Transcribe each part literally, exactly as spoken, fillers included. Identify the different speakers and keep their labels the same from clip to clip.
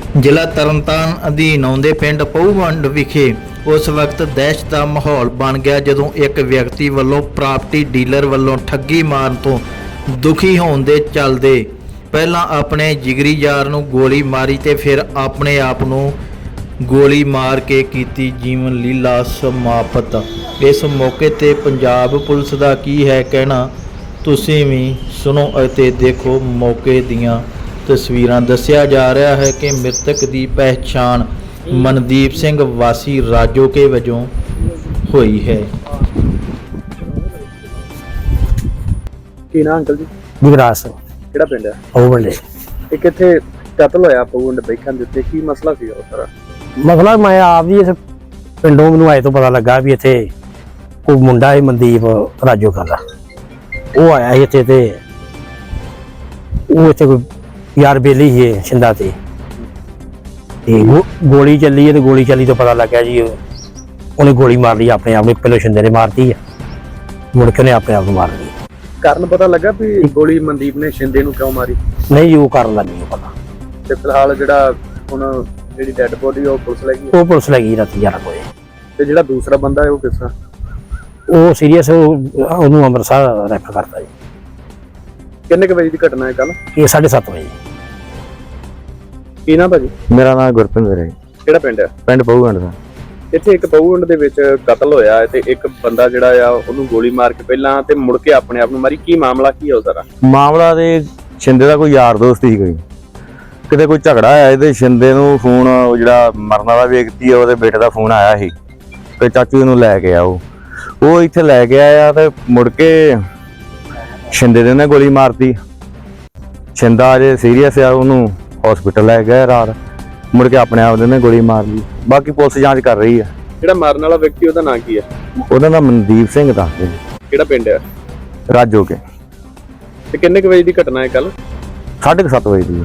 Speaker 1: ਜ਼ਿਲ੍ਹਾ ਤਰਨਤਾਰਨ ਅਧੀਨ ਆਉਂਦੇ ਪਿੰਡ ਪਹੂਵੰਡ ਵਿਖੇ ਉਸ ਵਕਤ ਦਹਿਸ਼ਤ ਦਾ ਮਾਹੌਲ ਬਣ ਗਿਆ ਜਦੋਂ ਇੱਕ ਵਿਅਕਤੀ ਵੱਲੋਂ ਪ੍ਰਾਪਰਟੀ ਡੀਲਰ ਵੱਲੋਂ ਠੱਗੀ ਮਾਰਨ ਤੋਂ ਦੁਖੀ ਹੋਣ ਦੇ ਚੱਲਦੇ ਪਹਿਲਾਂ ਆਪਣੇ ਜਿਗਰੀ ਯਾਰ ਨੂੰ ਗੋਲੀ ਮਾਰੀ ਤੇ ਫਿਰ ਆਪਣੇ ਆਪ ਨੂੰ ਗੋਲੀ ਮਾਰ ਕੇ ਕੀਤੀ ਜੀਵਨ ਲੀਲਾ ਸਮਾਪਤ। ਇਸ ਮੌਕੇ ਤੇ ਪੰਜਾਬ ਪੁਲਿਸ ਦਾ ਕੀ ਹੈ ਕਹਿਣਾ, ਤੁਸੀਂ ਵੀ ਸੁਣੋ ਅਤੇ ਦੇਖੋ ਮੌਕੇ ਦੀਆਂ ਤਸਵੀਰਾਂ। ਦੱਸਿਆ ਜਾ ਰਿਹਾ ਹੈ ਕਿ ਮ੍ਰਿਤਕ ਦੀ ਪਹਿਚਾਣ ਮਨਦੀਪ ਸਿੰਘ ਵਾਸੀ ਰਾਜੋਕੇ ਵਜੋਂ ਹੋਈ ਹੈ।
Speaker 2: ਕੀ ਨਾਂ ਅੰਕਲ ਜੀ?
Speaker 3: ਜਗਰਾਜ ਸਿੰਘ।
Speaker 2: ਕਿਹੜਾ ਪਿੰਡ ਹੈ?
Speaker 3: ਉਹ ਬੰਦੇ
Speaker 2: ਇਹ ਕਿੱਥੇ ਕਤਲ ਹੋਇਆ ਪਵਨ ਬੈਠਣ ਦੇ ਉੱਤੇ? ਕੀ ਮਸਲਾ ਸੀ ਉਹ ਸਾਰਾ?
Speaker 3: ਮਸਲਾ ਮੈਂ ਆਪ ਜੀ ਇਸ ਪਿੰਡੋਂ ਮੈਨੂੰ ਆਏ ਤੋਂ ਪਤਾ ਲੱਗਾ ਵੀ ਇੱਥੇ ਕੋਈ ਮੁੰਡਾ ਹੈ ਮਨਦੀਪ ਰਾਜੋਕਾ ਦਾ। ਉਹ ਆਇਆ ਸੀ ਇੱਥੇ ਤੇ ਉਹ ਇੱਥੇ ਕੋਈ ਯਾਰ ਬੇਲੀ ਸੀ ਛਿੰਦਾ ਤੇ ਤੇ ਗੋਲੀ ਚੱਲੀ ਹੈ ਤੇ ਗੋਲੀ ਚੱਲੀ ਤੋਂ ਪਤਾ ਲੱਗਿਆ ਜੀ ਉਹਨੇ ਗੋਲੀ ਮਾਰ ਲਈ ਆਪਣੇ ਆਪ ਨੂੰ। ਪਹਿਲਾਂ ਛਿੰਦੇ ਨੇ ਮਾਰਤੀ ਆ, ਮੁੜ ਕੇ ਉਹਨੇ ਆਪਣੇ ਆਪ ਨੂੰ ਮਾਰ ਲਈ।
Speaker 2: ਕਾਰਨ ਪਤਾ ਲੱਗਾ ਵੀ ਗੋਲੀ ਮਨਦੀਪ ਨੇ ਸ਼ਿੰਦੇ ਨੂੰ ਕਿਉਂ ਮਾਰੀ?
Speaker 3: ਨਹੀਂ, ਉਹ ਕਰਨ ਦਾ ਨਹੀਂ ਪਤਾ।
Speaker 2: ਤੇ ਫਿਲਹਾਲ ਜਿਹੜਾ ਹੁਣ ਜਿਹੜੀ ਡੈੱਡ ਬੋਡੀ ਉਹ ਪੁਲਿਸ ਲੈ ਗਈ?
Speaker 3: ਉਹ ਪੁਲਿਸ ਲੈ ਗਈ ਰਾਤੀ ਗਿਆਰਾਂ ਵਜੇ।
Speaker 2: ਤੇ ਜਿਹੜਾ ਦੂਸਰਾ ਬੰਦਾ ਹੈ ਉਹ ਕਿਸ ਤਰ੍ਹਾਂ?
Speaker 3: ਉਹ ਸੀਰੀਅਸ, ਉਹਨੂੰ ਅੰਮ੍ਰਿਤਸਰ ਰੈਫਰ ਕਰਤਾ ਜੀ।
Speaker 2: ਕਿੰਨੇ ਕੁ ਵਜੇ ਦੀ ਘਟਨਾ ਹੈ ਕੱਲ?
Speaker 3: ਇਹ ਸਾਢੇ ਸੱਤ ਵਜੇ।
Speaker 2: ਕੀ ਨਾਂ ਭਾਜੀ?
Speaker 4: ਮੇਰਾ ਨਾਮ ਗੁਰਪਿੰਦਰ ਹੈ।
Speaker 2: ਕਿਹੜਾ ਪਿੰਡ ਹੈ?
Speaker 4: ਪਿੰਡ ਪਹੂਵੰਡ ਦਾ।
Speaker 2: ਇੱਥੇ ਇੱਕ ਪਹੂਵੰਡ ਦੇ ਵਿੱਚ ਕਤਲ ਹੋਇਆ ਹੈ ਤੇ ਇੱਕ ਬੰਦਾ ਜਿਹੜਾ ਆ ਉਹਨੂੰ ਗੋਲੀ ਮਾਰ ਕੇ ਪਹਿਲਾਂ ਤੇ ਮੁੜ ਕੇ ਆਪਣੇ ਆਪ ਨੂੰ ਮਾਰੀ। ਕੀ ਮਾਮਲਾ ਕੀ ਹੈ ਉਹ ਸਾਰਾ?
Speaker 4: ਮਾਮਲਾ ਤੇ ਸ਼ਿੰਦੇ ਦਾ ਕੋਈ ਯਾਰ ਦੋਸਤ ਸੀ, ਕੋਈ ਕਿਤੇ ਕੋਈ ਝਗੜਾ ਆਇਆ ਇਹਦੇ ਸ਼ਿੰਦੇ ਨੂੰ ਫੋਨ, ਜਿਹੜਾ ਮਰਨ ਵਾਲਾ ਵਿਅਕਤੀ ਹੈ ਉਹਦੇ ਬੇਟੇ ਦਾ ਫੋਨ ਆਇਆ ਸੀ ਕਿ ਚਾਚੂ ਨੂੰ ਲੈ ਕੇ ਆਓ। ਉਹ ਇੱਥੇ ਲੈ ਕੇ ਆਇਆ ਤੇ ਮੁੜ ਕੇ ਸ਼ਿੰਦੇ ਦੇ ਨੇ ਗੋਲੀ ਮਾਰਤੀ। ਸ਼ਿੰਦਾ ਅਜੇ ਸੀਰੀਅਸ ਆ, ਉਹਨੂੰ ਹਸਪੀਟਲ ਲੈ ਗਏ ਰਾਤ, ਮੁੜ ਕੇ ਆਪਣੇ ਆਪ ਦੇ ਨੇ ਗੋਲੀ ਮਾਰ ਲਈ। ਬਾਕੀ ਪੁਲਿਸ ਜਾਂਚ ਕਰ ਰਹੀ ਹੈ।
Speaker 2: ਜਿਹੜਾ ਮਾਰਨ ਵਾਲਾ ਵਿਅਕਤੀ ਉਹਦਾ ਨਾਂ ਕੀ ਹੈ?
Speaker 4: ਉਹਦਾ ਨਾਮ ਮਨਦੀਪ ਸਿੰਘ ਦਾ।
Speaker 2: ਕਿਹੜਾ ਪਿੰਡ ਹੈ?
Speaker 4: ਰਾਜੋਕੇ।
Speaker 2: ਤੇ ਕਿੰਨੇ ਕੁ ਵਜੇ ਦੀ ਘਟਨਾ ਹੈ ਕੱਲ?
Speaker 4: ਸਾਢੇ ਕੁ ਸੱਤ ਵਜੇ ਦੀ।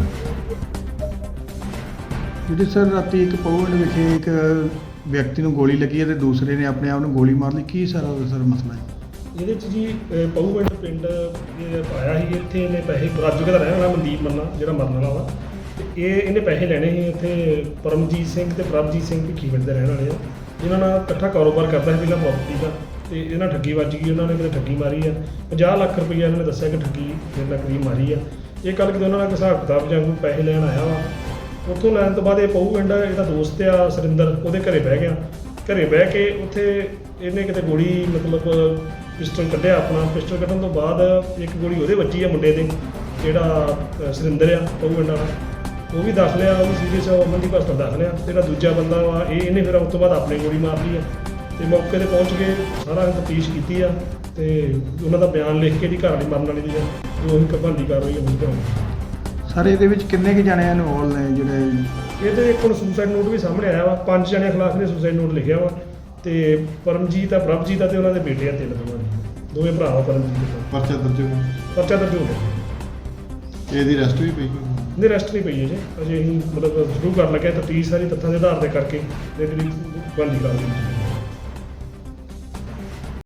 Speaker 5: ਜਿਹੜੀ ਸਰ ਰਾਤੀ ਇੱਕ ਪਵਨ ਵਿਖੇ ਇੱਕ ਵਿਅਕਤੀ ਨੂੰ ਗੋਲੀ ਲੱਗੀ ਹੈ ਤੇ ਦੂਸਰੇ ਨੇ ਆਪਣੇ ਆਪ ਨੂੰ ਗੋਲੀ ਮਾਰ ਲਈ, ਕੀ ਸਾਰਾ ਸਰ ਮਸਲਾ ਹੈ?
Speaker 6: ਇਹਦੇ 'ਚ ਜੀ ਪਹੂਵੰਡ ਪਿੰਡ ਇਹ ਆਇਆ ਸੀ। ਇੱਥੇ ਇਹਨੇ ਪੈਸੇ ਰਾਜੋਕੇ ਦਾ ਰਹਿਣ ਵਾਲਾ ਮਨਦੀਪ ਮੰਨਾ ਜਿਹੜਾ ਮਰਨ ਵਾਲਾ ਵਾ, ਤੇ ਇਹ ਇਹਨੇ ਪੈਸੇ ਲੈਣੇ ਸੀ। ਇੱਥੇ ਪਰਮਜੀਤ ਸਿੰਘ ਤੇ ਪ੍ਰਭਜੀਤ ਸਿੰਘ ਭਿੱਖੀਵਿੰਡ ਦੇ ਰਹਿਣ ਵਾਲੇ ਆ। ਇਹਨਾਂ ਨਾਲ ਇਕੱਠਾ ਕਾਰੋਬਾਰ ਕਰਦਾ ਸੀ ਪਹਿਲਾਂ ਪ੍ਰਾਪਰਟੀ ਦਾ, ਤੇ ਇਹਨਾਂ ਠੱਗੀ ਵੱਜ ਗਈ। ਉਹਨਾਂ ਨੇ ਕਿਤੇ ਠੱਗੀ ਮਾਰੀ ਆ, ਪੰਜਾਹ ਲੱਖ ਰੁਪਈਆ ਇਹਨਾਂ ਨੇ ਦੱਸਿਆ ਕਿ ਠੱਗੀ ਮੇਰੇ ਨਾਲ ਕਰੀਬ ਮਾਰੀ ਆ। ਇਹ ਕੱਲ੍ਹ ਕਿਤੇ ਉਹਨਾਂ ਨਾਲ ਹਿਸਾਬ ਕਿਤਾਬ ਜਾਂ ਕੋਈ ਪੈਸੇ ਲੈਣ ਆਇਆ ਵਾ। ਉੱਥੋਂ ਲੈਣ ਤੋਂ ਬਾਅਦ ਇਹ ਪਹੂਵਿੰਡ ਇਹਦਾ ਦੋਸਤ ਆ ਸੁਰਿੰਦਰ, ਉਹਦੇ ਘਰੇ ਬਹਿ ਗਿਆ। ਘਰੇ ਬਹਿ ਕੇ ਉੱਥੇ ਇਹਨੇ ਕਿਤੇ ਗੋਲੀ ਮਤਲਬ ਪਿਸਟਲ ਕੱਢਿਆ ਆਪਣਾ। ਪਿਸਟਲ ਕੱਢਣ ਤੋਂ ਬਾਅਦ ਇੱਕ ਗੋਲੀ ਉਹਦੇ ਵੱਜੀ ਆ ਮੁੰਡੇ ਦੇ, ਜਿਹੜਾ ਸੁਰਿੰਦਰ ਆ ਪਹੂਵਿੰਡ ਵਾਲਾ, ਉਹ ਵੀ ਦੱਸ ਲਿਆ, ਉਹ ਵੀ ਸੀਰੀਅਸ ਆ, ਅਮਨਦੀਪ ਹਸਪਤਾਲ ਦੱਸ ਲਿਆ। ਜਿਹੜਾ ਦੂਜਾ ਬੰਦਾ ਵਾ ਇਹ ਇਹਨੇ ਫਿਰ ਉਸ ਤੋਂ ਬਾਅਦ ਆਪਣੇ ਗੋਲੀ ਮਾਰ ਲਈ ਆ। ਤੇ ਮੌਕੇ 'ਤੇ ਪਹੁੰਚ ਕੇ ਸਾਰਾ ਤਫਤੀਸ਼ ਕੀਤੀ ਆ ਤੇ ਉਹਨਾਂ ਦਾ ਬਿਆਨ ਲਿਖ ਕੇ ਦੀ ਘਰ ਵਾਲੀ ਮਰਨ ਵਾਲੀ ਦੀ ਜੋ ਉਹੀ ਕਬੰਦੀ ਕਰ ਰਹੀ ਹੈ ਉਹਨੂੰ ਕਰਾਉਣੀ।
Speaker 5: ਸਰ ਇਹਦੇ ਵਿੱਚ ਕਿੰਨੇ ਕੁ ਜਣੇ ਇਨਵੋਲਵ ਨੇ ਜਿਹੜੇ?
Speaker 6: ਇਹਦੇ ਇੱਕ ਹੁਣ ਸੁਸਾਈਡ ਨੋਟ ਵੀ ਸਾਹਮਣੇ ਆਇਆ ਵਾ। ਪੰਜ ਜਣਿਆਂ ਖਿਲਾਫ ਨੇ ਸੁਸਾਈਡ ਨੋਟ ਲਿਖਿਆ ਵਾ, ਤੇ ਪਰਮਜੀਤ ਆ, ਪ੍ਰਭਜੀਤ ਆ ਤੇ ਉਹਨਾਂ ਦੇ ਬੇਟੇ ਆ, ਤਿੰਨ ਦੋਵਾਂ ਦੇ ਦੋਵੇਂ ਭਰਾ ਵਾ ਪਰਮਜੀਤ ਦੇ।
Speaker 5: ਪਰਚਾ ਦਰਜ ਹੋ ਗਿਆ?
Speaker 6: ਪਰਚਾ ਦਰਜ ਹੋ ਗਿਆ।
Speaker 5: ਇਹਦੀ ਰੈਸਟ ਵੀ ਪਈ?
Speaker 6: ਨਹੀਂ, ਰੈਸਟ ਨਹੀਂ ਪਈ ਹੈ ਜੀ ਅਜੇ। ਅਸੀਂ ਮਤਲਬ ਸ਼ੁਰੂ ਕਰਨ ਲੱਗੇ ਤਫਤੀਸ਼ ਸਾਰੀ ਤੱਥਾਂ ਦੇ ਆਧਾਰ ਤੇ ਕਰਕੇ ਤੇ ਜਿਹੜੀ ਬੰਦੀ ਕਰ ਲਈ।